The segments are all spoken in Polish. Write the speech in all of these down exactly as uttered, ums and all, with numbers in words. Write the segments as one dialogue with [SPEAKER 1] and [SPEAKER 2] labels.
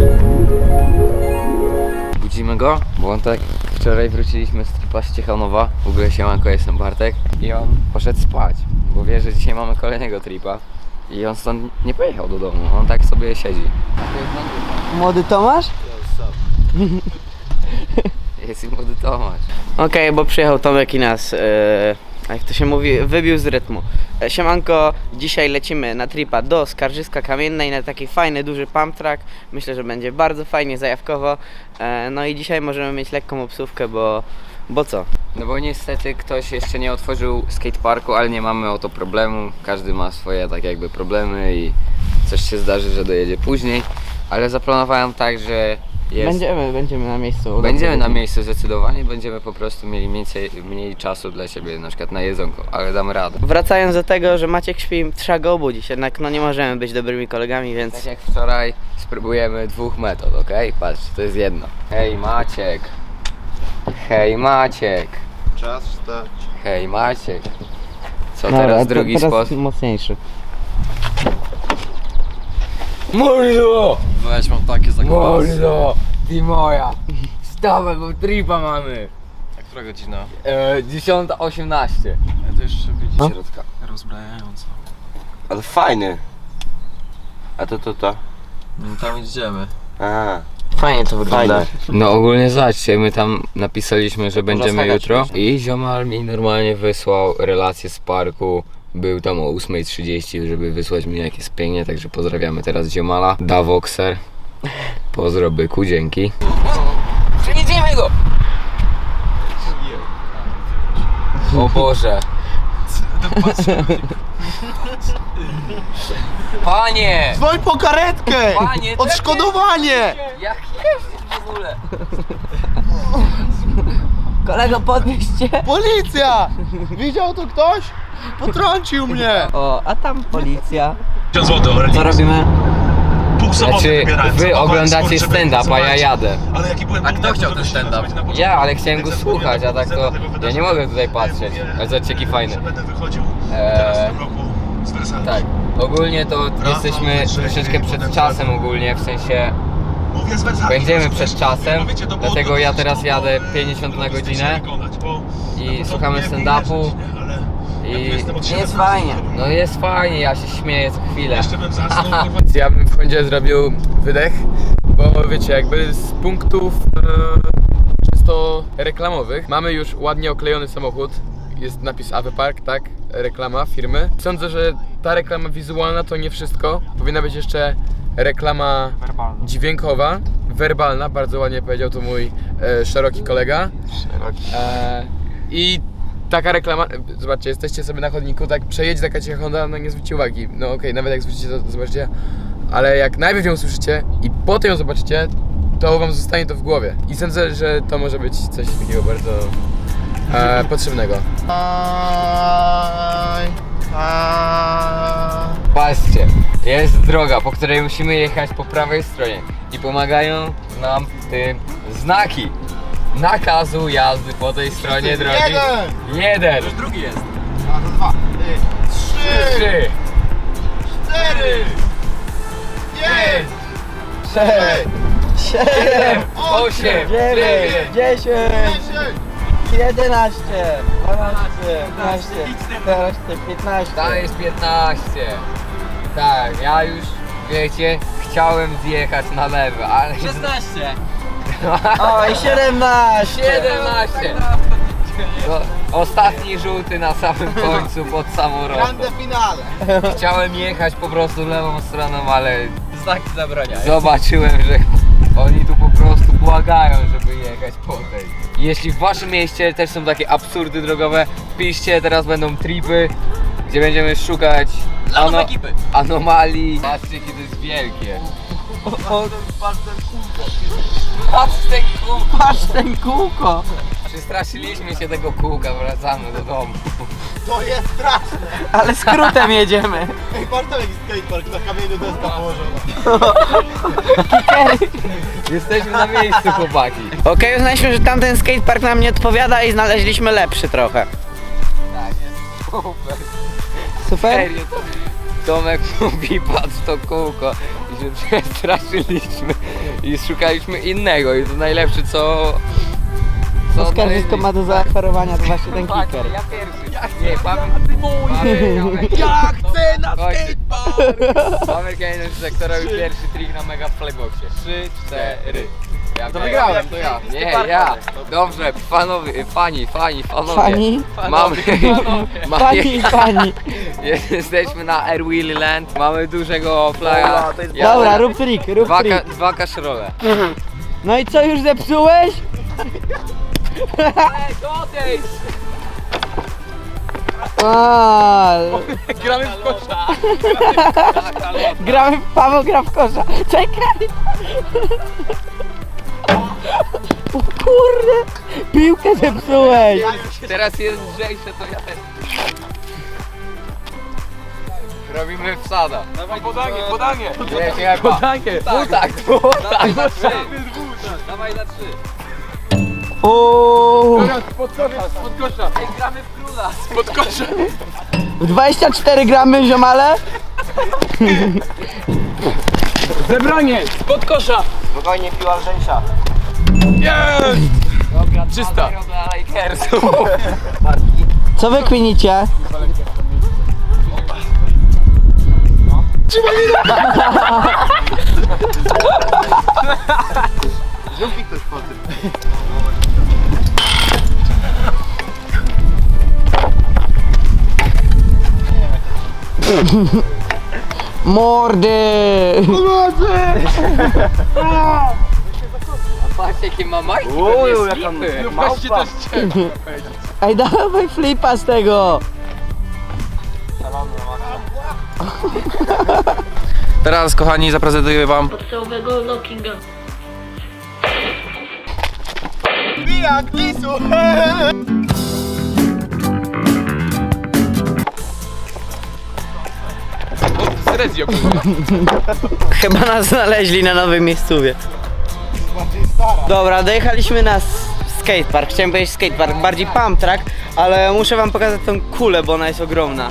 [SPEAKER 1] Budzimy go, bo on tak wczoraj wróciliśmy z tripa z Ciechanowa. W ogóle siemanko, jestem Bartek. I on poszedł spać, bo wie, że dzisiaj mamy kolejnego tripa. I on stąd nie pojechał do domu, on tak sobie siedzi.
[SPEAKER 2] Młody Tomasz?
[SPEAKER 1] Jest i młody Tomasz.
[SPEAKER 2] Okej, okay, bo przyjechał Tomek i nas, yy, jak to się mówi, wybił z rytmu. E, Siemanko, dzisiaj lecimy na tripa do Skarżyska Kamiennej na taki fajny, duży pump track. Myślę, że będzie bardzo fajnie, zajawkowo. E, no i dzisiaj możemy mieć lekką obsówkę, bo, bo co?
[SPEAKER 1] No bo niestety ktoś jeszcze nie otworzył skateparku, ale nie mamy o to problemu. Każdy ma swoje tak jakby problemy i coś się zdarzy, że dojedzie później. Ale zaplanowałem tak, że jest...
[SPEAKER 2] Będziemy, będziemy na miejscu.
[SPEAKER 1] Będziemy na miejscu zdecydowanie, będziemy po prostu mieli mniej, mniej czasu dla siebie, na przykład na jedzonko, ale damy radę.
[SPEAKER 2] Wracając do tego, że Maciek śpi, trzeba go obudzić, jednak no nie możemy być dobrymi kolegami, więc...
[SPEAKER 1] Tak jak wczoraj spróbujemy dwóch metod, ok? Patrz, to jest jedno. Hej Maciek. Hej Maciek.
[SPEAKER 3] Czas wstać.
[SPEAKER 1] Hej Maciek. Co
[SPEAKER 2] Dobra,
[SPEAKER 1] teraz
[SPEAKER 2] to
[SPEAKER 1] drugi
[SPEAKER 2] teraz
[SPEAKER 1] sposób?
[SPEAKER 2] mocniejszy.
[SPEAKER 1] Mordo!
[SPEAKER 3] Weź, mam takie zagłosy.
[SPEAKER 1] Mordo! Ty moja! Wstawaj, bo tripa mamy!
[SPEAKER 3] A która godzina?
[SPEAKER 1] E, dziesiąta osiemnaście.
[SPEAKER 3] Ja to jeszcze widzi
[SPEAKER 2] No.
[SPEAKER 3] środka. Rozbrajająco.
[SPEAKER 4] Ale fajny. A to to to.
[SPEAKER 3] No tam idziemy.
[SPEAKER 4] A.
[SPEAKER 2] Fajnie to wygląda.
[SPEAKER 1] No ogólnie zobaczcie, my tam napisaliśmy, że będziemy
[SPEAKER 4] skakać
[SPEAKER 1] jutro i ziomal mi normalnie wysłał relację z parku. Był tam o ósma trzydzieści, żeby wysłać mi jak jest pięknie, także pozdrawiamy teraz ziomala. Davoxer. Pozdro byku, dzięki. Przejedziemy go! O Boże! Panie!
[SPEAKER 3] Dzwoń po karetkę!
[SPEAKER 1] Panie,
[SPEAKER 3] Odszkodowanie!
[SPEAKER 1] Jak jeździć w ogóle?
[SPEAKER 2] Kolego, podnieście!
[SPEAKER 3] Policja! Widział to ktoś? Potrącił mnie!
[SPEAKER 2] O, a tam policja.
[SPEAKER 5] złotych.
[SPEAKER 2] Co robimy?
[SPEAKER 5] Pół soboty
[SPEAKER 1] Znaczy,
[SPEAKER 5] wybierałem,
[SPEAKER 1] wy
[SPEAKER 5] zapakowałem
[SPEAKER 1] oglądacie
[SPEAKER 5] sport, żeby
[SPEAKER 1] stand-up, a ja
[SPEAKER 5] zobaczyć.
[SPEAKER 1] jadę.
[SPEAKER 5] Ale jaki byłem
[SPEAKER 3] A kto
[SPEAKER 5] dumny,
[SPEAKER 3] chciał
[SPEAKER 5] że
[SPEAKER 3] ten
[SPEAKER 5] się
[SPEAKER 3] stand-up?
[SPEAKER 5] zobaczyć na początku.
[SPEAKER 1] Ja, ale chciałem go
[SPEAKER 5] Więc
[SPEAKER 1] słuchać, a tak to
[SPEAKER 5] zadzwoniłem do
[SPEAKER 1] ja nie
[SPEAKER 5] wydarzenia.
[SPEAKER 1] mogę tutaj patrzeć. Ale zobaczcie jaki fajny.
[SPEAKER 5] Będę wychodził
[SPEAKER 1] Eee,
[SPEAKER 5] teraz w tym roku z Wersalem.
[SPEAKER 1] Tak, ogólnie to jesteśmy troszeczkę przed czasem ogólnie, w sensie
[SPEAKER 5] Mówię z Wersalem.
[SPEAKER 1] będziemy przed czasem,
[SPEAKER 5] Bo wiecie, to było
[SPEAKER 1] dlatego
[SPEAKER 5] to
[SPEAKER 1] ja
[SPEAKER 5] dosyć
[SPEAKER 1] teraz
[SPEAKER 5] trudno,
[SPEAKER 1] jadę
[SPEAKER 5] e,
[SPEAKER 1] pięćdziesiąt na godzinę
[SPEAKER 5] wykonać, bo
[SPEAKER 1] i
[SPEAKER 5] na początku
[SPEAKER 1] słuchamy
[SPEAKER 5] miałem
[SPEAKER 1] stand-upu.
[SPEAKER 5] wierzyć, nie? Ale ja tu
[SPEAKER 1] I
[SPEAKER 5] jestem od
[SPEAKER 2] jest
[SPEAKER 5] siedem
[SPEAKER 2] fajnie.
[SPEAKER 5] lat.
[SPEAKER 1] no jest fajnie, ja się śmieję co chwilę.
[SPEAKER 5] Jeszcze bym zasnął, kurwa.
[SPEAKER 6] Ja bym w końcu zrobił wydech, bo wiecie, jakby z punktów e, czysto reklamowych mamy już ładnie oklejony samochód. Jest napis A W Park, tak? Reklama firmy. Sądzę, że ta reklama wizualna to nie wszystko. Powinna być jeszcze reklama dźwiękowa, werbalna, bardzo ładnie powiedział to mój e, szeroki kolega. E, I taka reklama, zobaczcie, jesteście sobie na chodniku, tak przejedzie taka cicha Honda, no nie zwróćcie uwagi. No okej, okay, nawet jak zwrócicie, to zobaczycie. Ale jak najpierw ją usłyszycie i potem ją zobaczycie, to wam zostanie to w głowie. I sądzę, że to może być coś takiego bardzo e, potrzebnego.
[SPEAKER 3] Aj, aj.
[SPEAKER 1] Patrzcie, jest droga, po której musimy jechać po prawej stronie i pomagają nam w tym znaki nakazu jazdy po tej stronie drogi.
[SPEAKER 3] Jeden!
[SPEAKER 1] Jeden,
[SPEAKER 3] Drugi jest. A, to dwa. Ty. Trzy!
[SPEAKER 1] trzy,
[SPEAKER 3] Cztery! Pięć!
[SPEAKER 1] sześć,
[SPEAKER 2] siedem,
[SPEAKER 1] osiem,
[SPEAKER 2] dziewięć, dziesięć,
[SPEAKER 3] Dziesięć!
[SPEAKER 2] jedenaście, dwanaście, trzynaście, czternaście, piętnaście.
[SPEAKER 1] To jest piętnaście. Tak, ja już, wiecie, chciałem zjechać na lewo, ale...
[SPEAKER 2] szesnaście. O, i siedemnaście.
[SPEAKER 1] siedemnaście. No, ostatni żółty na samym końcu pod samą rondo.
[SPEAKER 3] Grande finale!
[SPEAKER 1] Chciałem jechać po prostu lewą stroną, ale
[SPEAKER 2] Znaki zabraniają.
[SPEAKER 1] zobaczyłem, że oni tu po prostu błagają, żeby jechać po tej. Jeśli w waszym mieście też są takie absurdy drogowe, piszcie, teraz będą tripy, gdzie będziemy szukać ano
[SPEAKER 2] ekipy.
[SPEAKER 1] anomalii. Patrzcie, jakie to jest wielkie.
[SPEAKER 2] O,
[SPEAKER 1] Patrz ten kółko.
[SPEAKER 2] patrz ten kółko.
[SPEAKER 1] Przestraszyliśmy się tego kółka, wracamy do domu.
[SPEAKER 3] To jest straszne!
[SPEAKER 2] Ale skrótem jedziemy.
[SPEAKER 3] Ej, patrz tam jaki skatepark, na kamieniu deska położona.
[SPEAKER 1] Jesteśmy na miejscu, chłopaki.
[SPEAKER 2] Okej, uznaliśmy, że tamten skatepark nam nie odpowiada i znaleźliśmy lepszy trochę.
[SPEAKER 1] Tak, jest super.
[SPEAKER 2] Super?
[SPEAKER 1] Serio, to Tomek mówi, patrz to kółko. i się przestraszyliśmy i szukaliśmy innego i to najlepsze co...
[SPEAKER 2] Co skarżysko ma do zaoferowania, to właśnie ten
[SPEAKER 1] Tak,
[SPEAKER 2] kicker.
[SPEAKER 1] ja pierwszy. Nie, Paweł, Paweł,
[SPEAKER 3] Ja chcę na skatepark!
[SPEAKER 1] Paweł Kejner sektorowy pierwszy trik na mega flyboxie. Trzy, cztery. Ja
[SPEAKER 3] To wygrałem, to ja.
[SPEAKER 1] Nie, ja. Dobrze, panowie, fani, fani, panowie.
[SPEAKER 2] Fani?
[SPEAKER 1] Mamy, mamy
[SPEAKER 2] Pani, pani.
[SPEAKER 1] jesteśmy na Air Wheelie Land. Mamy dużego flaga. Ja-
[SPEAKER 2] Dobra, rób trik, rób
[SPEAKER 1] Dwa, ka,
[SPEAKER 2] trik.
[SPEAKER 1] dwa kaszrole.
[SPEAKER 2] No i co, już zepsułeś? A,
[SPEAKER 6] Gramy w kosza.
[SPEAKER 2] gramy w Paweł gra w kosza. Czekaj! O kurde! Piłkę zepsułeś!
[SPEAKER 1] Teraz jest lżejsze, to ja też. Robimy wsada.
[SPEAKER 6] Dawaj podanie, podanie.
[SPEAKER 1] Nie, nie, podanie. Tak, tak, na trzy. Dawaj na trzy.
[SPEAKER 2] O,
[SPEAKER 6] Spod kosza, spod kosza.
[SPEAKER 1] Ej, gramy w króla.
[SPEAKER 6] Spod kosza.
[SPEAKER 2] dwadzieścia cztery gramy, ziomale?
[SPEAKER 6] Zebranie, spod kosza.
[SPEAKER 3] Spokojnie, piła lżejsza.
[SPEAKER 6] Jest.
[SPEAKER 1] Dobra,
[SPEAKER 6] Czysta.
[SPEAKER 1] dwa zero dla Lakersów.
[SPEAKER 2] Co wy kwinicie?
[SPEAKER 3] Zrób mi ktoś po tym.
[SPEAKER 2] Mordy!
[SPEAKER 1] Patrz jakie ma majtki,
[SPEAKER 3] Uuu,
[SPEAKER 1] pewnie
[SPEAKER 3] jaka
[SPEAKER 1] slipy.
[SPEAKER 6] No weźcie też cię.
[SPEAKER 2] Ej, dawaj flipa z tego!
[SPEAKER 7] Teraz, kochani, zaprezentuję wam
[SPEAKER 8] podstawowego lockinga.
[SPEAKER 3] Bijak, lisu!
[SPEAKER 6] Srezio.
[SPEAKER 2] Chyba nas znaleźli na nowym miejscówie. Dobra, dojechaliśmy na s- skatepark. Chciałem powiedzieć skatepark, bardziej pump track, ale muszę wam pokazać tą kulę, bo ona jest ogromna.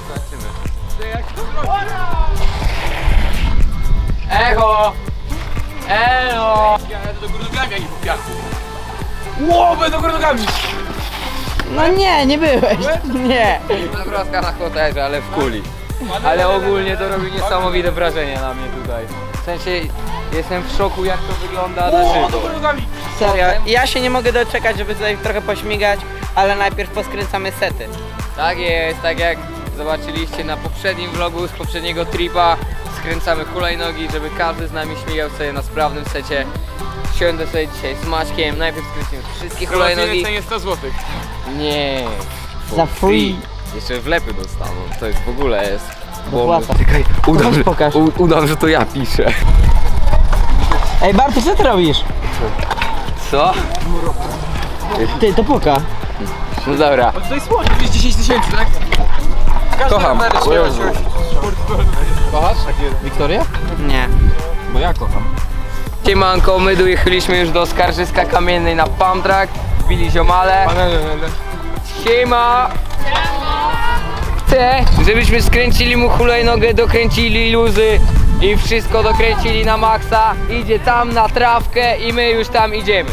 [SPEAKER 1] Echo! Elo!
[SPEAKER 6] Ja do góry nogami, jak w piachu. Ło, będę do góry nogami.
[SPEAKER 2] No nie, nie byłeś. Nie.
[SPEAKER 1] Zagroska na hotelze, ale w kuli. Ale ogólnie to robi niesamowite wrażenie na mnie tutaj. W sensie jestem w szoku jak to wygląda na
[SPEAKER 6] Ło, do
[SPEAKER 1] żywo.
[SPEAKER 6] góry nogami.
[SPEAKER 2] Serio, ja się nie mogę doczekać, żeby tutaj trochę pośmigać, ale najpierw poskręcamy sety.
[SPEAKER 1] Tak jest, tak jak zobaczyliście na poprzednim vlogu z poprzedniego tripa. Skręcamy hulajnogi, żeby każdy z nami śmigał sobie na sprawnym secie. Siądę sobie dzisiaj z Maćkiem, najpierw skręcimy wszystkie hulajnogi.
[SPEAKER 6] Promocyjne cenie sto złotych.
[SPEAKER 1] Nie.
[SPEAKER 2] Za free.
[SPEAKER 1] Jeszcze wlepy dostaną, to jest w ogóle jest.
[SPEAKER 2] Dopłata.
[SPEAKER 1] Czekaj, udam, że,
[SPEAKER 2] pokaż.
[SPEAKER 1] u, udam, że to ja piszę.
[SPEAKER 2] Ej, Bartu, co ty robisz?
[SPEAKER 1] Co?
[SPEAKER 2] Ty, to puka.
[SPEAKER 1] No dobra.
[SPEAKER 6] To jest słoń, to jest dziesięć tysięcy, tak?
[SPEAKER 7] Kocham.
[SPEAKER 6] Kochasz?
[SPEAKER 7] Wiktoria?
[SPEAKER 2] Nie.
[SPEAKER 7] Bo ja kocham.
[SPEAKER 1] Siemanko, my dojechaliśmy już do Skarżyska Kamiennej na pump track. Wbili ziomale. Siema! Chcę, żebyśmy skręcili mu hulajnogę, dokręcili luzy i wszystko dokręcili na maksa. Idzie tam na trawkę i my już tam idziemy.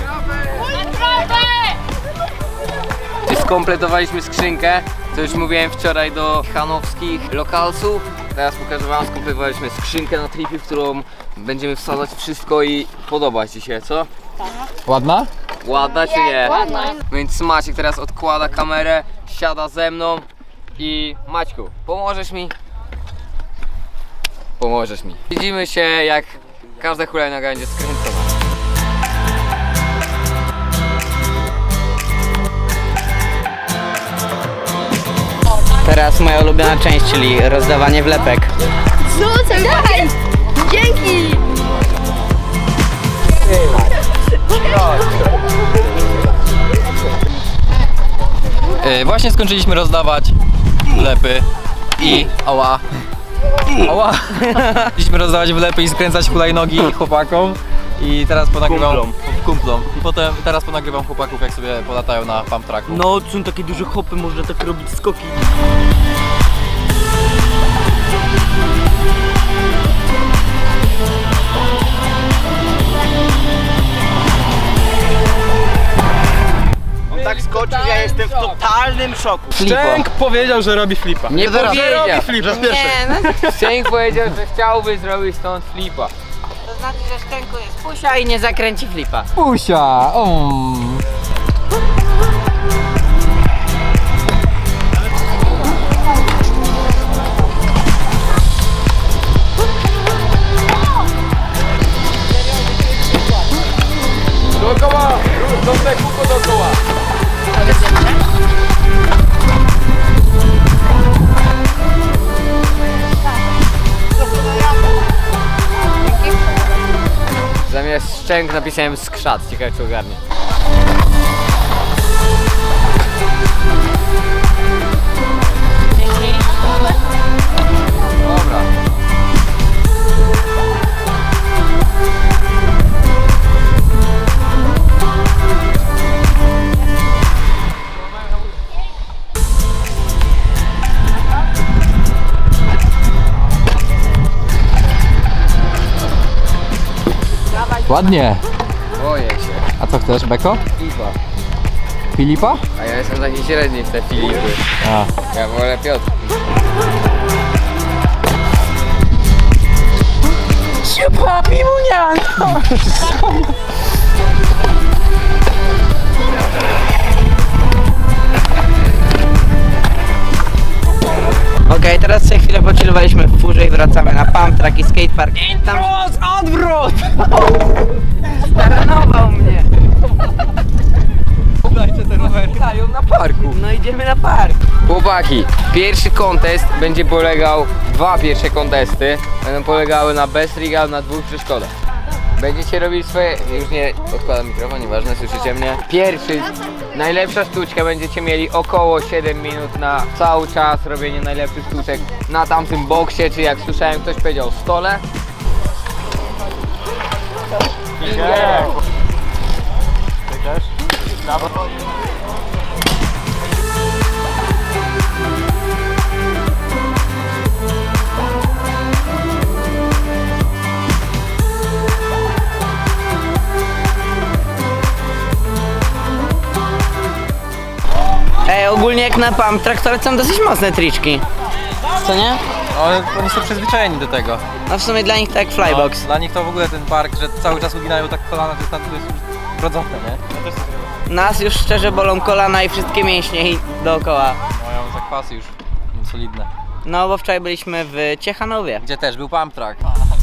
[SPEAKER 1] Skompletowaliśmy skrzynkę, co już mówiłem wczoraj do chanowskich lokalsów. Teraz pokażę wam, skompletowaliśmy skrzynkę na tripie, w którą będziemy wsadzać wszystko i podoba ci się, co?
[SPEAKER 7] Ładna?
[SPEAKER 1] Ładna czy nie? Ładna. Więc Maciek teraz odkłada kamerę, siada ze mną i Maćku, pomożesz mi? Pomożesz mi. Widzimy się, jak każda hulajnoga będzie skręcona.
[SPEAKER 2] Teraz moja ulubiona część, czyli rozdawanie wlepek.
[SPEAKER 8] Rzucę, daj! Dzięki!
[SPEAKER 7] E, właśnie skończyliśmy rozdawać wlepy i... Ała. Ała. Chcieliśmy rozdawać wlepy i skręcać hulajnogi chłopakom. I teraz ponagrywam kumplom. kumplom. I potem teraz ponagrywam chłopaków, jak sobie polatają na pump tracku.
[SPEAKER 2] No, są takie duże hopy, można tak robić skoki. poczuć, ja jestem w totalnym szoku.
[SPEAKER 7] Szczęk powiedział, że robi flipa.
[SPEAKER 1] Nie powiedział.
[SPEAKER 3] Raz pierwszy.
[SPEAKER 2] Nie, no
[SPEAKER 1] Szczęk powiedział, że chciałby zrobić stąd flipa.
[SPEAKER 2] to znaczy, że Szczęku jest pusia i nie zakręci flipa.
[SPEAKER 7] Pusia! Um.
[SPEAKER 6] Dookoła! Dobrze, kółko dookoła!
[SPEAKER 1] Zamiast szczęk napisałem skrzat, ciekawe czy ogarnie. Dobra.
[SPEAKER 7] Ładnie.
[SPEAKER 1] Boję się.
[SPEAKER 7] A co chcesz, Beko?
[SPEAKER 1] Flipa.
[SPEAKER 7] Filipa?
[SPEAKER 1] A ja jestem taki średni w te Filipy.
[SPEAKER 7] A.
[SPEAKER 1] Ja wolę Piotr.
[SPEAKER 2] Okej, teraz sobie chwilę pochillowaliśmy w furze i wracamy na pump track i skatepark. Tam... Odwrót! Staranował mnie.
[SPEAKER 7] Dajcie ten rower. Dają na parku.
[SPEAKER 2] No idziemy na park.
[SPEAKER 1] Chłopaki, pierwszy kontest będzie polegał, dwa pierwsze kontesty będą polegały na best regal na dwóch przeszkodach. Będziecie robić swoje, już nie odkładam mikrofon, nieważne, słyszycie mnie. Pierwszy, najlepsza sztuczka, będziecie mieli około siedem minut na cały czas robienie najlepszych sztuczek na tamtym boksie, czy jak słyszałem ktoś powiedział stole.
[SPEAKER 2] Ej, ogólnie jak na pump track to są dosyć mocne triczki. Co nie?
[SPEAKER 7] No, oni są przyzwyczajeni do tego.
[SPEAKER 2] No w sumie dla nich tak flybox.
[SPEAKER 7] No, dla nich to w ogóle ten park, że cały czas uginają tak kolana, to jest, tam, to jest już wrodzone, nie?
[SPEAKER 2] Nas już szczerze bolą kolana i wszystkie mięśnie i dookoła.
[SPEAKER 7] Mają zakwasy już solidne.
[SPEAKER 2] No bo wczoraj byliśmy w Ciechanowie.
[SPEAKER 7] Gdzie też był pump track.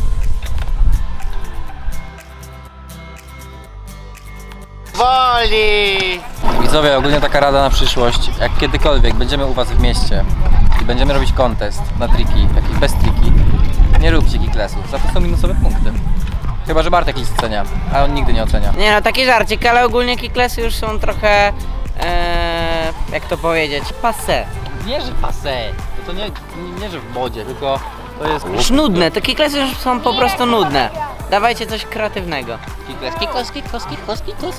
[SPEAKER 3] Woli!
[SPEAKER 7] Widzowie, ogólnie taka rada na przyszłość. Jak kiedykolwiek będziemy u was w mieście i będziemy robić kontest na triki, jakieś bez triki, nie róbcie kiklesów, za to są minusowe punkty. Chyba że Bartek ich ocenia, a on nigdy nie ocenia.
[SPEAKER 2] Nie no, taki żarcik, ale ogólnie kiklesy już są trochę, e, jak to powiedzieć, passé.
[SPEAKER 7] Nie, że passé, to, to nie, nie, nie, że w modzie, tylko to jest...
[SPEAKER 2] Już nudne, te kiklesy już są po prostu nudne. Dawajcie coś kreatywnego. Kikles, kikles, kikles, kikles, kikles.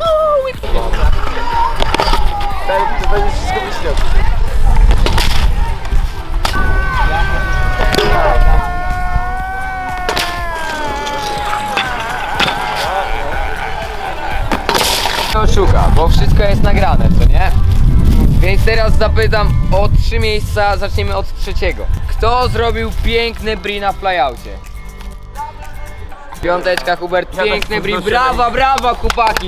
[SPEAKER 6] To będzie wszystko myślał.
[SPEAKER 1] Oszuka, bo wszystko jest nagrane, co nie? Więc teraz zapytam o trzy miejsca, zaczniemy od trzeciego. Kto zrobił piękny bri na flyoutie? Piąteczka, Hubert, piękny bri, brawa, brawa, chłopaki!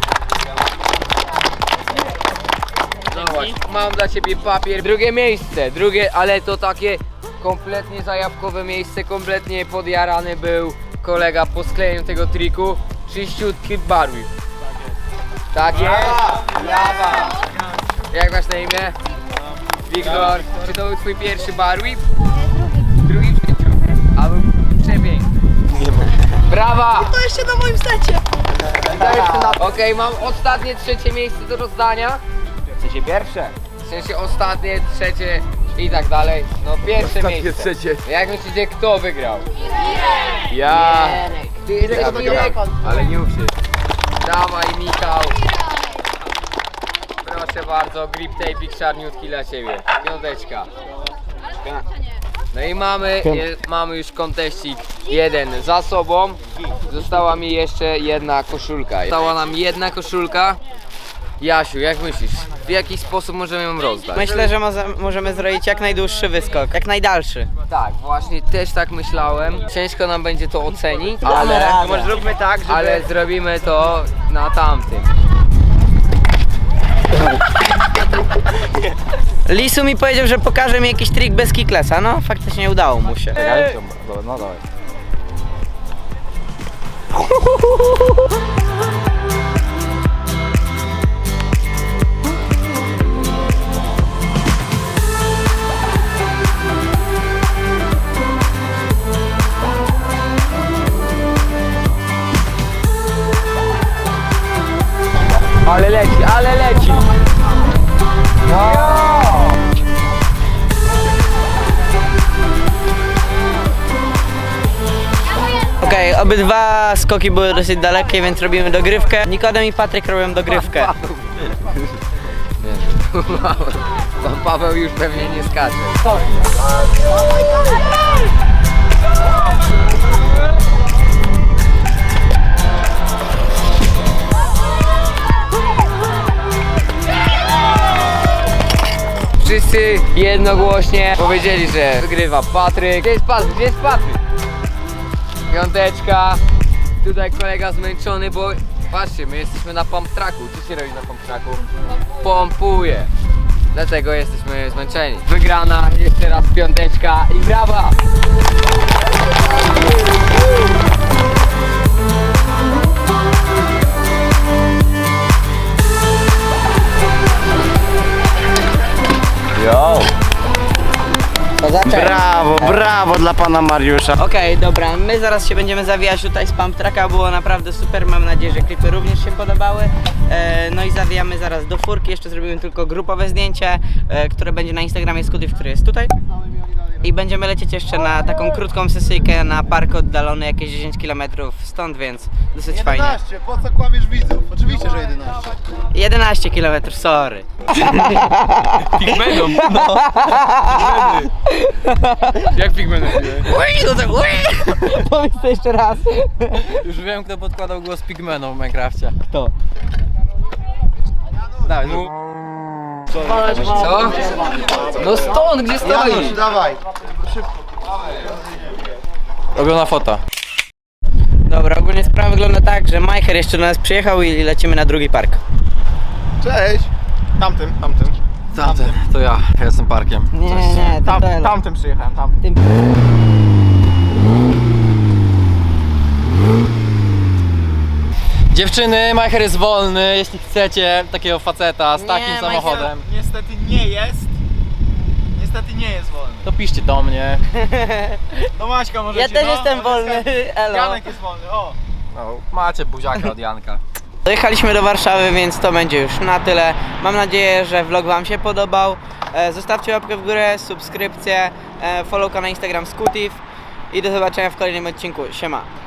[SPEAKER 1] Zobacz, mam dla ciebie papier. Drugie miejsce, drugie, ale to takie kompletnie zajawkowe miejsce, kompletnie podjarany był kolega po sklejeniu tego triku. Czyściutki barwik. Tak jest? Brawa! Jak masz na imię? Wiktor. Czy to był twój pierwszy bar whip? Drugi w życiu. A był przepiękny. Brawa!
[SPEAKER 8] To jeszcze na moim secie.
[SPEAKER 1] Okej, mam ostatnie trzecie miejsce do rozdania. W sensie pierwsze. W sensie ostatnie, trzecie i tak dalej. No pierwsze miejsce.
[SPEAKER 6] trzecie.
[SPEAKER 1] Jak myślicie, kto wygrał? Ja. Ty jesteś Mirek. Ale nie uwszy. Dawaj, Michał. Proszę bardzo, grip tape'ik czarniutki dla ciebie. Piąteczka. No i mamy, je, mamy już konteścik jeden za sobą. Została mi jeszcze jedna koszulka. Została nam jedna koszulka. Jasiu, jak myślisz, w jaki sposób możemy ją rozdać?
[SPEAKER 2] Myślę, że moze, możemy zrobić jak najdłuższy wyskok, jak najdalszy.
[SPEAKER 1] Tak, właśnie też tak myślałem. Ciężko nam będzie to ocenić, ale,
[SPEAKER 2] Może zróbmy tak, żeby...
[SPEAKER 1] ale zrobimy to na tamtym.
[SPEAKER 2] Lisu mi powiedział, że pokaże mi jakiś trik bez kiklesa, no faktycznie udało mu się.
[SPEAKER 7] No dawaj.
[SPEAKER 1] Ale leci, ale leci!
[SPEAKER 2] Okej, obydwa skoki były dosyć dalekie, więc robimy dogrywkę. Nikodem i Patryk robią dogrywkę.
[SPEAKER 1] Pan Paweł już pewnie nie skacze. Wszyscy jednogłośnie powiedzieli, że wygrywa Patryk. Gdzie jest Patryk? Gdzie jest Patryk? Piąteczka. Tutaj kolega zmęczony, bo patrzcie, my jesteśmy na pump tracku. Co się robi na pump tracku? Pompuje. Dlatego jesteśmy zmęczeni. Wygrana, jeszcze raz piąteczka i brawa!
[SPEAKER 4] Yo!
[SPEAKER 2] Brawo,
[SPEAKER 3] Brawo dla pana Mariusza.
[SPEAKER 2] Okej, dobra, my zaraz się będziemy zawijać tutaj z pump tracka, było naprawdę super, mam nadzieję, że klipy również się podobały. E, no i zawijamy zaraz do furki, jeszcze zrobimy tylko grupowe zdjęcie, e, które będzie na Instagramie Scootif, który jest tutaj. I będziemy lecieć jeszcze na taką krótką sesyjkę na park oddalony jakieś dziesięć kilometrów stąd, więc dosyć fajnie.
[SPEAKER 3] jedenaście, po co kłamiesz widzów? Oczywiście, że jedenaście.
[SPEAKER 2] jedenaście kilometrów, sorry.
[SPEAKER 6] Pigmenom. No. Jak pigmenom?
[SPEAKER 2] Powiedz to jeszcze raz.
[SPEAKER 7] Już wiem, kto podkładał głos Pigmenom w Minecrafcie. Kto? Dawaj, no.
[SPEAKER 1] Co? No stąd, gdzie
[SPEAKER 3] Janusz,
[SPEAKER 1] stoi?
[SPEAKER 3] dawaj.
[SPEAKER 7] Robiona fota.
[SPEAKER 2] Dobra, ogólnie sprawa wygląda tak, że Majcher jeszcze do nas przyjechał i lecimy na drugi park.
[SPEAKER 3] Cześć. Tamtym, tamtym.
[SPEAKER 7] Tamten, to ja, ja jestem parkiem.
[SPEAKER 2] Nie, nie, nie,
[SPEAKER 3] Tam,
[SPEAKER 2] to Ela.
[SPEAKER 3] tamtym przyjechałem, tamtym.
[SPEAKER 2] Tym...
[SPEAKER 7] Dziewczyny, Majcher jest wolny, jeśli chcecie takiego faceta z
[SPEAKER 2] Nie,
[SPEAKER 7] takim
[SPEAKER 2] Majcher-
[SPEAKER 7] samochodem,
[SPEAKER 3] Niestety nie jest. Niestety nie jest wolny.
[SPEAKER 7] to piszcie do mnie.
[SPEAKER 3] Do Maćka możecie,
[SPEAKER 2] Ja też
[SPEAKER 3] no.
[SPEAKER 2] jestem wolny, elo.
[SPEAKER 3] Janek jest wolny, o.
[SPEAKER 7] No, macie buziaka od Janka.
[SPEAKER 2] Dojechaliśmy do Warszawy, więc to będzie już na tyle. Mam nadzieję, że vlog wam się podobał. E, Zostawcie łapkę w górę, subskrypcję, e, followka na Instagram Scootif i do zobaczenia w kolejnym odcinku. Siema.